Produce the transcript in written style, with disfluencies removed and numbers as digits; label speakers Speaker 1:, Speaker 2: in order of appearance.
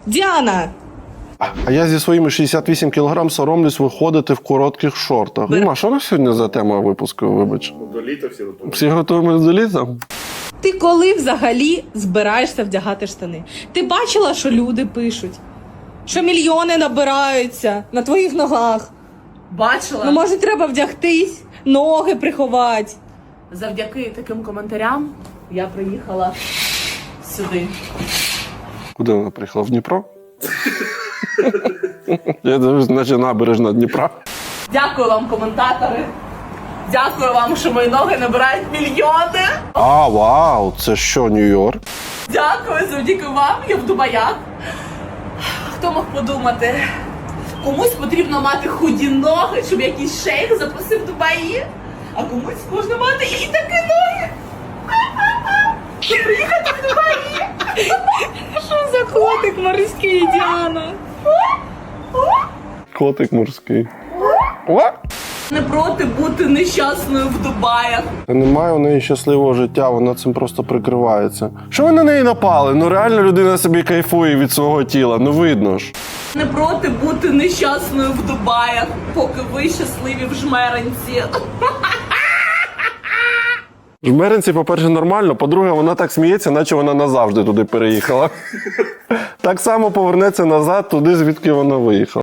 Speaker 1: Діана!
Speaker 2: А я зі своїми 68 кілограм соромлюсь виходити в коротких шортах. Дима, що на сьогодні за тема випуску, вибач?
Speaker 3: До літа всі готові.
Speaker 2: Всі готуємось до літа?
Speaker 1: Ти коли взагалі збираєшся вдягати штани? Ти бачила, що люди пишуть? Що мільйони набираються на твоїх ногах?
Speaker 4: Бачила?
Speaker 1: Ну, може, треба вдягтись, ноги приховати.
Speaker 4: Завдяки таким коментарям я приїхала сюди.
Speaker 2: Куди вона приїхала? В Дніпро? Я дивлюсь, наче набережна Дніпра.
Speaker 4: Дякую вам, коментатори. Дякую вам, що мої ноги набирають мільйони.
Speaker 2: А, вау, це що, Нью-Йорк?
Speaker 4: Дякую, завдяки вам я в Дубаях. Хто мог подумати? Комусь потрібно мати худі ноги, щоб якийсь шейх запросив в Дубаї, а комусь можна мати і такі ноги. Щоб приїхати в Дубаї.
Speaker 1: Що за котик морський, Діана?
Speaker 2: Котик морський. О!
Speaker 4: Не проти бути нещасною в Дубаях.
Speaker 2: Немає у неї щасливого життя, вона цим просто прикривається. Що ви на неї напали? Ну реально людина собі кайфує від свого тіла, ну видно ж.
Speaker 4: Не проти бути нещасною в Дубаях, поки ви щасливі в Жмеринці.
Speaker 2: Жмеринці, по-перше, нормально, по-друге, вона так сміється, наче вона назавжди туди переїхала. Так само повернеться назад туди, звідки вона виїхала.